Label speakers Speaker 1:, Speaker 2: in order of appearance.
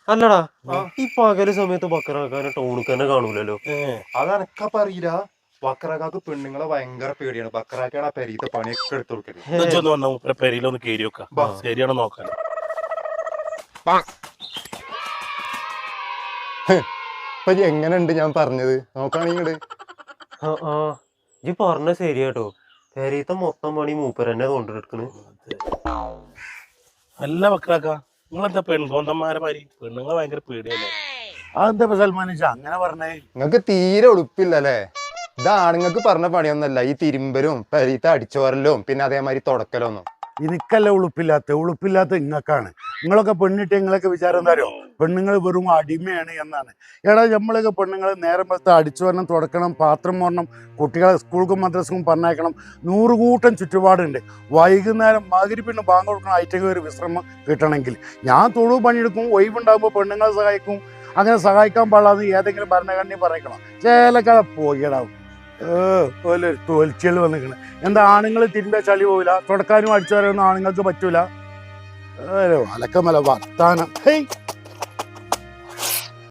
Speaker 1: അല്ലടാ ഈ പകല് സമയത്ത് ബക്കറാക്കാനെ ടൗണിൽ തന്നെ കാണൂലല്ലോ.
Speaker 2: അതെനക്കപ്പ അറിയില്ല. ബക്കറാക്കാക്ക് പെണ്ണുങ്ങളെ ഭയങ്കര പേടിയാണ്. ബക്കറാക്കാണ് ആ പെരീത്തെ പണിയൊക്കെ എടുത്തു കൊടുക്കല്.
Speaker 3: പെരയിലൊന്ന് കേറി വെക്കാം, ശരിയാണോ നോക്കാൻ.
Speaker 2: ഇപ്പൊ എങ്ങനെയുണ്ട് ഞാൻ പറഞ്ഞത്? നോക്കാണെങ്കിട്
Speaker 1: ഈ പറഞ്ഞ ശരിയാട്ടോ. പെരീത്തെ മൊത്തം പണി മൂപ്പരെന്നെ കൊണ്ടെടുക്കണ്.
Speaker 3: അല്ല ബക്കറാക്ക, നിങ്ങളെന്താ പെൺകോന്തന്മാരെ മാതിരി പെണ്ണുങ്ങളെ ഭയങ്കര പേടിയല്ലേ?
Speaker 4: അതെന്താ സൽമാനിച്ച അങ്ങനെ പറഞ്ഞേ?
Speaker 2: നിങ്ങക്ക് തീരെ ഉടുപ്പില്ലല്ലേ? ഇതാണുങ്ങൾക്ക് പറഞ്ഞ പണിയൊന്നല്ല ഈ തിരുമ്പലും പെരീത്തെ അടിച്ചോരലും പിന്നെ അതേമാതിരി തുടക്കലൊന്നും.
Speaker 4: എനിക്കല്ല ഉളുപ്പില്ലാത്ത ഇങ്ങക്കാണ്. നിങ്ങളൊക്കെ പെണ്ണിട്ട് നിങ്ങളൊക്കെ വിചാരം എന്താ അറിയോ? പെണ്ണുങ്ങൾ വെറും അടിമയാണ് എന്നാണ്. എടാ നമ്മളൊക്കെ പെണ്ണുങ്ങൾ നേരം വെച്ച് അടിച്ചു വരണം, തുടക്കണം, പാത്രം മോറണം, കുട്ടികളെ സ്കൂൾക്കും മദ്രസക്കും പറഞ്ഞയക്കണം, 100 കൂട്ടം ചുറ്റുപാടുണ്ട്. വൈകുന്നേരം മഗ്‌രിബിന് ബാങ്ക് കൊടുക്കണം, ഐറ്റക്ക് ഒരു വിശ്രമം കിട്ടണമെങ്കിൽ. ഞാൻ തൊഴിൽ പണിയെടുക്കും, ഒഴിവുണ്ടാകുമ്പോൾ പെണ്ണുങ്ങളെ സഹായിക്കും. അങ്ങനെ സഹായിക്കാൻ പാടില്ലാന്ന് ഏതെങ്കിലും ഭരണഘടന പറയണം. ചേലക്കട പോയിടാവും തോൽച്ചികൾ വന്നിരിക്കണ്. എന്താ ആണുങ്ങൾ തിരിഞ്ഞ ചളി പോവില്ല, തുടക്കാനും അടിച്ചു വരാനൊന്നും ആണുങ്ങൾക്ക് പറ്റൂല. അലക്കമല വർത്താനം. ഹേയ്